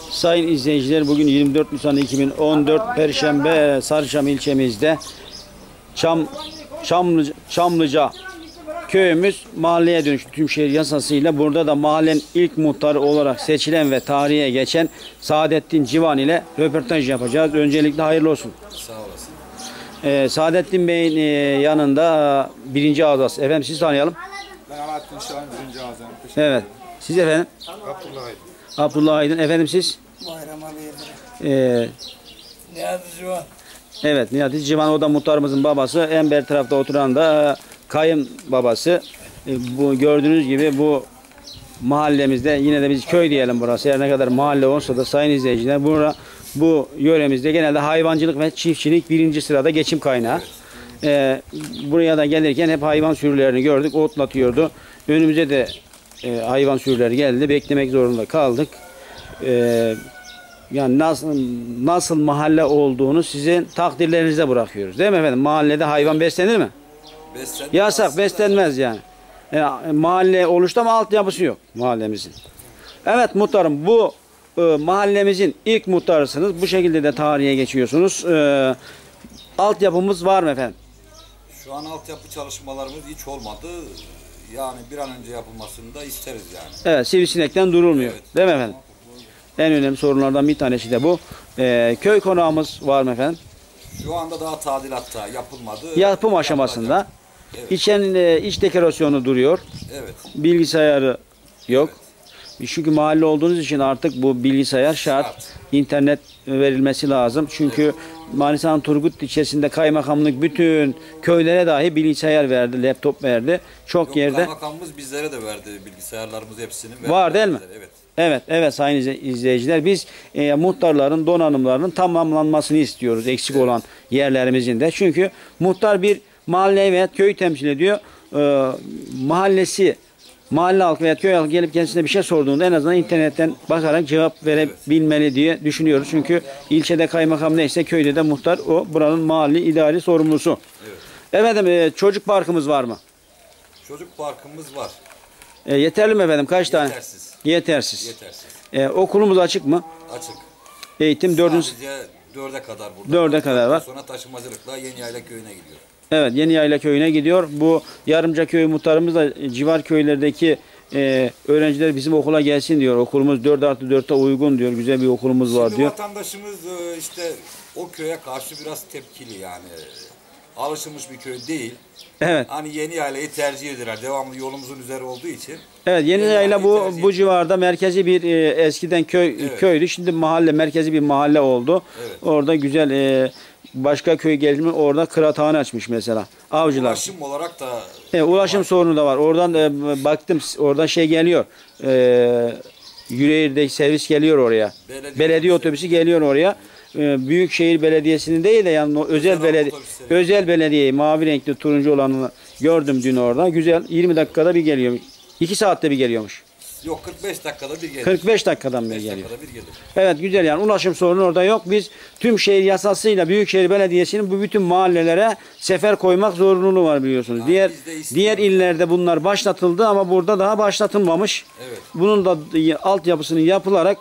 Sayın izleyiciler, bugün 24 Nisan 2014 Perşembe, Sarıçam ilçemizde Çamlıca köyümüz mahalleye dönüştü tümşehir yasasıyla. Burada da mahallenin ilk muhtarı olarak seçilen ve tarihe geçen Saadettin Civan ile röportaj yapacağız. Öncelikle hayırlı olsun. Sağ olasın. Saadettin Bey'in yanında birinci ağzası. Efendim sizi tanıyalım. Ben Alaaddin Şahin, birinci ağzım. Evet. Siz efendim? Abdullah Aydın. Abdullah Aydın. Efendim siz? Bayram Ali Yıldırım. Niyazi Civan. Evet, Niyazi Civan, o da muhtarımızın babası. En beri tarafta oturan da kayın babası. Bu gördüğünüz gibi bu mahallemizde, yine de biz köy diyelim burası. Her ne kadar mahalle olsa da sayın izleyiciler, bu yöremizde genelde hayvancılık ve çiftçilik birinci sırada geçim kaynağı. Buraya da gelirken hep hayvan sürülerini gördük, otlatıyordu. Önümüze de hayvan sürüleri geldi, beklemek zorunda kaldık. Yani nasıl mahalle olduğunu sizin takdirlerinize bırakıyoruz, değil mi efendim? Mahallede hayvan beslenir mi? Beslenmez. Yasak, beslenmez yani. Mahalle oluştu ama altyapısı yok mahallemizin. Evet muhtarım, bu mahallemizin ilk muhtarısınız. Bu şekilde de tarihe geçiyorsunuz. Altyapımız var mı efendim? Şu an altyapı çalışmalarımız hiç olmadı. Yani bir an önce yapılmasını da isteriz yani. Evet, sivrisinekten durulmuyor. Evet. Değil mi efendim? En önemli sorunlardan bir tanesi de bu. Köy konağımız var mı efendim? Şu anda daha tadilatta yapılmadı. Yapım aşamasında. Evet. İç dekorasyonu duruyor. Evet. Bilgisayarı yok. Çünkü mahalle olduğunuz için artık bu bilgisayar şart. İnternet verilmesi lazım. Çünkü Manisa'nın Turgut ilçesinde kaymakamlık bütün köylere dahi bilgisayar verdi, laptop verdi. Çok yerde. Kaymakamımız bizlere de verdi bilgisayarlarımız hepsini. Var değil mi? Evet. Evet sayın izleyiciler, biz muhtarların donanımlarının tamamlanmasını istiyoruz, eksik olan yerlerimizin de. Çünkü muhtar bir mahalle veya köy temsil ediyor. Mahalle halkı veya köy halkı gelip kendisine bir şey sorduğunda en azından internetten bakarak cevap verebilmeli diye düşünüyoruz. Çünkü ilçede kaymakam neyse köyde de muhtar o buranın mahalli idari sorumlusu. Evet. Efendim çocuk parkımız var mı? Çocuk parkımız var. Yeterli mi efendim? Kaç tane? Yetersiz. Yetersiz. Okulumuz açık mı? Açık. Eğitim Sadece 4'e kadar burada. 4'e kadar var. Sonra taşımacılıkla Yeniyayla köyüne gidiyor. Evet, Yeniyayla köyüne gidiyor. Bu Yarımca köy muhtarımız da civar köylerdeki öğrenciler bizim okula gelsin diyor. Okulumuz 4+4'e uygun diyor. Güzel bir okulumuz var diyor. Vatandaşımız işte o köye karşı biraz tepkili yani. Alışılmış bir köy değil. Evet. Hani Yeniyaylayı tercih ederler. Devamlı yolumuzun üzeri olduğu için. Evet, Yeniyayla bu civarda merkezi bir eskiden köydü. Şimdi merkezi bir mahalle oldu. Evet. Orada güzel başka köy geldi orada kıraathane açmış mesela. Avcılar. Ulaşım olarak da ulaşım sorunu da var. Oradan baktım, oradan geliyor. Yüreğir'deki servis geliyor oraya. Belediye otobüsü geliyor oraya. Büyükşehir Belediyesi'nin değil de yani özel belediye, mavi renkli turuncu olanını gördüm dün orada. Güzel, 20 dakikada bir geliyor. 2 saatte bir geliyormuş. Yok, 45 dakikada bir gelir. 45 dakikadan bir geliyor. Dakikada bir gelir. Evet, güzel yani ulaşım sorunu orada yok. Biz tümşehir yasasıyla Büyükşehir Belediyesi'nin bu bütün mahallelere sefer koymak zorunluluğu var biliyorsunuz. Yani diğer illerde bunlar başlatıldı ama burada daha başlatılmamış. Evet. Bunun da altyapısının yapılarak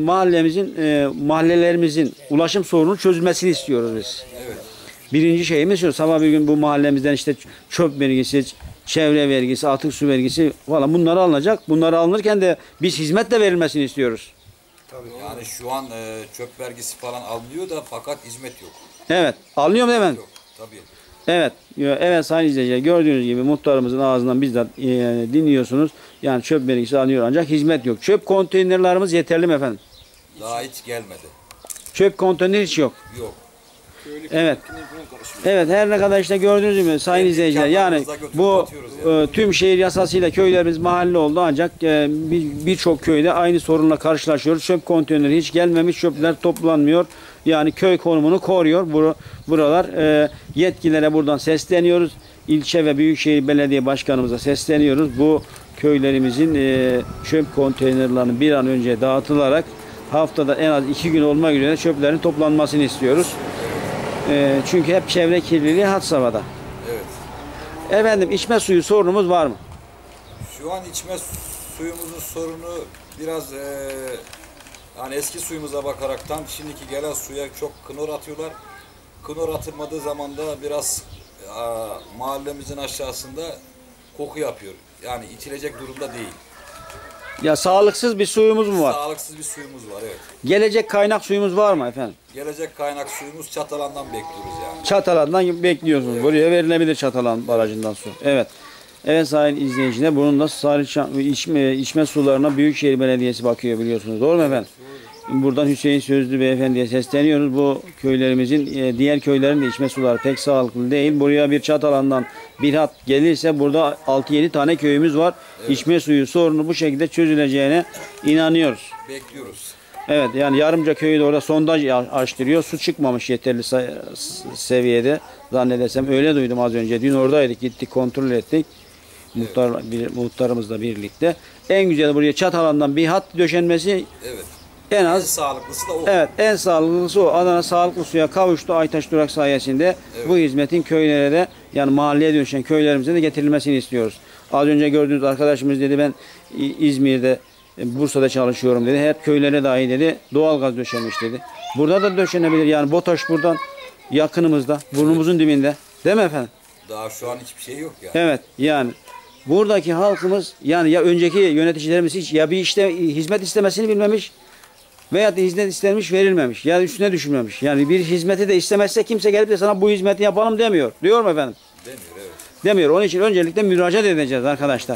mahallelerimizin ulaşım sorununun çözülmesini istiyoruz biz. Evet. Birinci şeyimiz şu, sabah bir gün bu mahallemizden işte çöp vergisi, çevre vergisi, atık su vergisi falan bunlar alınacak. Bunlar alınırken de biz hizmet de verilmesini istiyoruz. Tabii. Yani şu an çöp vergisi falan alınıyor da fakat hizmet yok. Evet. Alınıyor mu değil mi? Yok. Tabii. Evet sayın izleyiciler, gördüğünüz gibi muhtarımızın ağzından bizzat dinliyorsunuz. Yani çöp vergisi alınıyor ancak hizmet yok. Çöp konteynerlarımız yeterli mi efendim? Daha hiç gelmedi. Çöp konteyner hiç yok. Yok. Evet. Evet, her ne kadar işte gördüğünüz gibi sayın izleyiciler, yani bu tüm şehir yasasıyla köylerimiz mahalle oldu ancak birçok köyde aynı sorunla karşılaşıyoruz. Çöp konteyneri hiç gelmemiş, çöpler toplanmıyor. Yani köy konumunu koruyor buralar. Yetkililere buradan sesleniyoruz. İlçe ve Büyükşehir Belediye Başkanımıza sesleniyoruz. Bu köylerimizin çöp konteynerlerinin bir an önce dağıtılarak haftada en az 2 gün olmak üzere çöplerin toplanmasını istiyoruz. Çünkü hep çevre kirliliği had safhada. Evet. Efendim, içme suyu sorunumuz var mı? Şu an içme suyumuzun sorunu biraz Yani eski suyumuza bakaraktan şimdiki gelen suya çok klor atıyorlar. Klor atılmadığı zaman da biraz mahallemizin aşağısında koku yapıyor. Yani içilecek durumda değil. Ya sağlıksız bir suyumuz mu var? Sağlıksız bir suyumuz var, evet. Gelecek kaynak suyumuz var mı efendim? Gelecek kaynak suyumuz Çatalan'dan bekliyoruz yani. Çatalan'dan bekliyorsunuz. Evet. Buraya verilebilir Çatalan barajından su. Evet. Evet sayın izleyiciler, bunun da içme sularına Büyükşehir Belediyesi bakıyor biliyorsunuz. Doğru mu efendim? Buradan Hüseyin Sözlü Beyefendi'ye sesleniyoruz. Bu köylerimizin diğer köylerin de içme suları pek sağlıklı değil. Buraya bir Çatalan'dan bir hat gelirse burada 6-7 tane köyümüz var. Evet. İçme suyu sorunu bu şekilde çözüleceğine inanıyoruz. Bekliyoruz. Evet, yani Yarımca köyü de orada sondaj açtırıyor. Su çıkmamış yeterli seviyede zannedersem. Öyle duydum az önce. Dün oradaydık, gittik kontrol ettik. Evet. Muhtarımızla birlikte. En güzel buraya Çatalan'dan bir hat döşenmesi. Evet. En sağlıklısı da o. Evet, en sağlıklısı o. Adana sağlıklı suya kavuştu Aytaş Durak sayesinde. Evet. Bu hizmetin köylere de, yani mahalleye dönüşen köylerimize de getirilmesini istiyoruz. Az önce gördüğünüz arkadaşımız dedi, ben İzmir'de, Bursa'da çalışıyorum dedi. Hep köylere dahi dedi doğalgaz döşenmiş dedi. Burada da döşenebilir. Yani BOTAŞ buradan yakınımızda, burnumuzun dibinde. Değil mi efendim? Daha şu an hiçbir şey yok yani. Evet, yani buradaki halkımız, yani ya önceki yöneticilerimiz hiç ya bir işte hizmet istemesini bilmemiş veya da hizmet istenmiş verilmemiş. Ya üstüne düşünmemiş. Yani bir hizmeti de istemezse kimse gelip de sana bu hizmeti yapalım demiyor. Diyor mu efendim? Demiyor, evet. Demiyor. Onun için öncelikle müracaat edeceğiz arkadaşlar.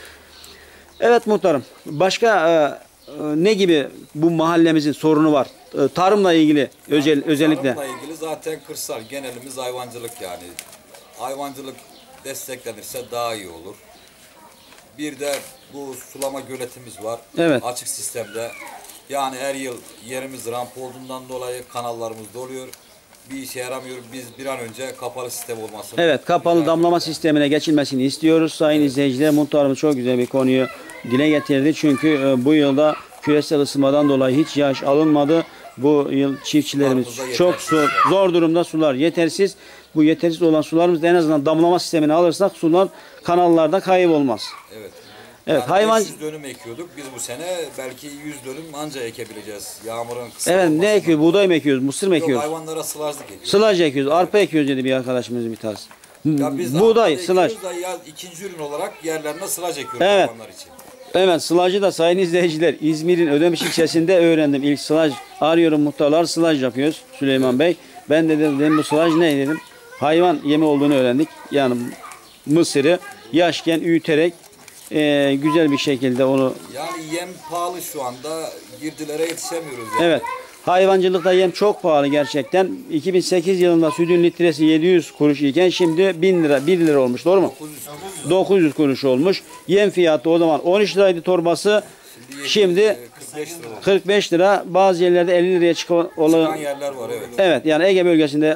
Evet muhtarım. Başka ne gibi bu mahallemizin sorunu var? Tarımla ilgili özellikle. Tarımla ilgili zaten kırsal. Genelimiz hayvancılık yani. Hayvancılık desteklenirse daha iyi olur. Bir de bu sulama göletimiz var. Evet. Açık sistemde. Yani her yıl yerimiz ramp olduğundan dolayı kanallarımız doluyor. Bir işe yaramıyor. Biz bir an önce kapalı sistem olmasını. Evet, kapalı damlama sistemine geçilmesini istiyoruz. Sayın izleyiciler, muhtarımız çok güzel bir konuyu dile getirdi. Çünkü bu yılda küresel ısınmadan dolayı hiç yağış alınmadı. Bu yıl çiftçilerimiz çok zor durumda, sular yetersiz. Bu yetersiz olan sularımızda en azından damlama sistemini alırsak sular kanallarda kaybolmaz. Evet. Evet, yani hayvan 500 dönüm ekiyorduk. Biz bu sene belki 100 dönüm anca ekebileceğiz. Yağmurun kısa Evet, ne ekiyoruz? Buğday mı ekiyoruz? Mısır mı ekiyoruz? Yok, hayvanlara sılajlık ekiyoruz. Sılaj ekiyoruz. Arpa ekiyoruz dedi bir arkadaşımız bir tanesi. Ya biz buğday, sılaj. İkinci ürün olarak yerlerine sılaj ekiyoruz evet. hayvanlar için. Evet, sılajı da sayın izleyiciler İzmir'in Ödemiş ilçesinde öğrendim. İlk sılaj arıyorum, muhtarlar sılaj yapıyoruz Süleyman Bey. Ben de dedim bu sılaj ne dedim. Hayvan yemi olduğunu öğrendik. Yani mısırı yaşken üyüterek güzel bir şekilde onu. Yani yem pahalı şu anda, girdilere yetişemiyoruz yani. Evet. Hayvancılıkta yem çok pahalı gerçekten. 2008 yılında sütün litresi 700 kuruş iken şimdi 1000 lira, 1 lira olmuş. Doğru mu? 900 kuruş olmuş. Yem fiyatı o zaman 13 liraydı torbası. Şimdi 45 lira. Bazı yerlerde 50 liraya çıkan yerler var, evet. Evet, yani Ege bölgesinde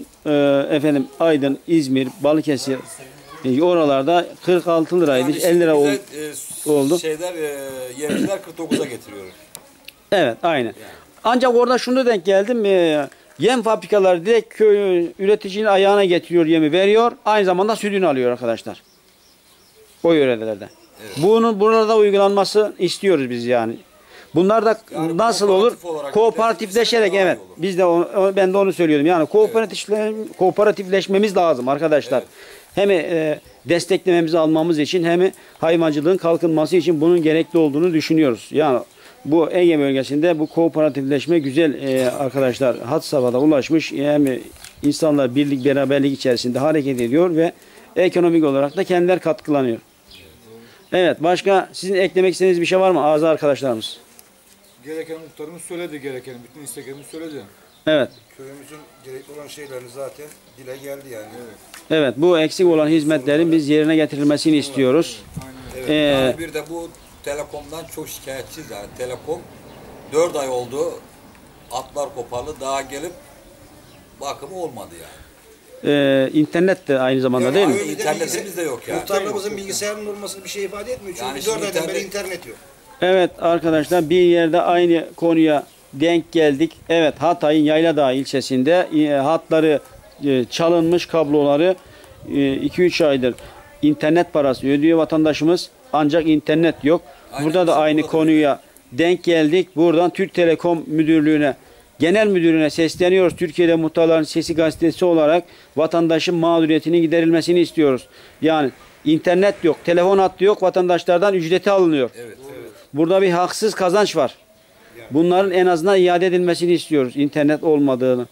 Aydın, İzmir, Balıkesir oralarda 46 liraydı. Yani 50 lira oldu. Yemciler 49'a getiriyor. Evet, aynen. Yani. Ancak orada şunu denk geldim. Yem fabrikaları direkt köy üreticinin ayağına getiriyor, yemi veriyor. Aynı zamanda sütünü alıyor arkadaşlar. O yörelerde. Evet. Bunun burada uygulanması istiyoruz biz yani. Bunlar da yani nasıl olur? Kooperatifleşerek, evet. Olur. Biz de ben de onu söylüyordum. Yani kooperatifleşmemiz lazım arkadaşlar. Evet. Hem desteklememizi almamız için hem hayvancılığın kalkınması için bunun gerekli olduğunu düşünüyoruz. Yani bu Ege bölgesinde bu kooperatifleşme güzel arkadaşlar had safhada ulaşmış. Yani insanlar birlik beraberlik içerisinde hareket ediyor ve ekonomik olarak da kendiler katkılanıyor. Evet, başka sizin eklemek istediğiniz bir şey var mı ağzı arkadaşlarımız? Gereken muhtarımız söyledi, gereken bütün isteklerimizi söyledi. Evet. Köyümüzün gerekli olan şeylerini zaten dile geldi yani. Evet. Evet, bu eksik olan hizmetlerin biz yerine getirilmesini istiyoruz. Evet. Yani bir de bu Telekom'dan çok şikayetçiyiz yani. Telekom 4 ay oldu, atlar koparlı, daha gelip bakımı olmadı yani. İnternet de aynı zamanda yani değil mi? İnternetimiz de yok yani. Muhtarlarımızın bilgisayarının olmasını bir şey ifade etmiyor. Çünkü yani 4 aydan beri internet yok. Evet arkadaşlar, bir yerde aynı konuya denk geldik. Evet, Hatay'ın Yayladağ ilçesinde hatları çalınmış, kabloları 2-3 aydır internet parası ödüyor vatandaşımız. Ancak internet yok. Burada da aynı konuya denk geldik. Buradan Türk Telekom Müdürlüğü'ne, Genel Müdürlüğü'ne sesleniyoruz. Türkiye'de Muhtarların Sesi gazetesi olarak vatandaşın mağduriyetinin giderilmesini istiyoruz. Yani internet yok, telefon hattı yok, vatandaşlardan ücreti alınıyor. Evet, evet. Burada bir haksız kazanç var. Bunların en azından iade edilmesini istiyoruz. İnternet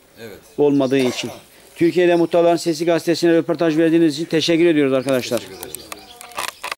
olmadığı için. Türkiye'de Muhtarların Sesi gazetesine röportaj verdiğiniz için teşekkür ediyoruz arkadaşlar. Teşekkür ederiz.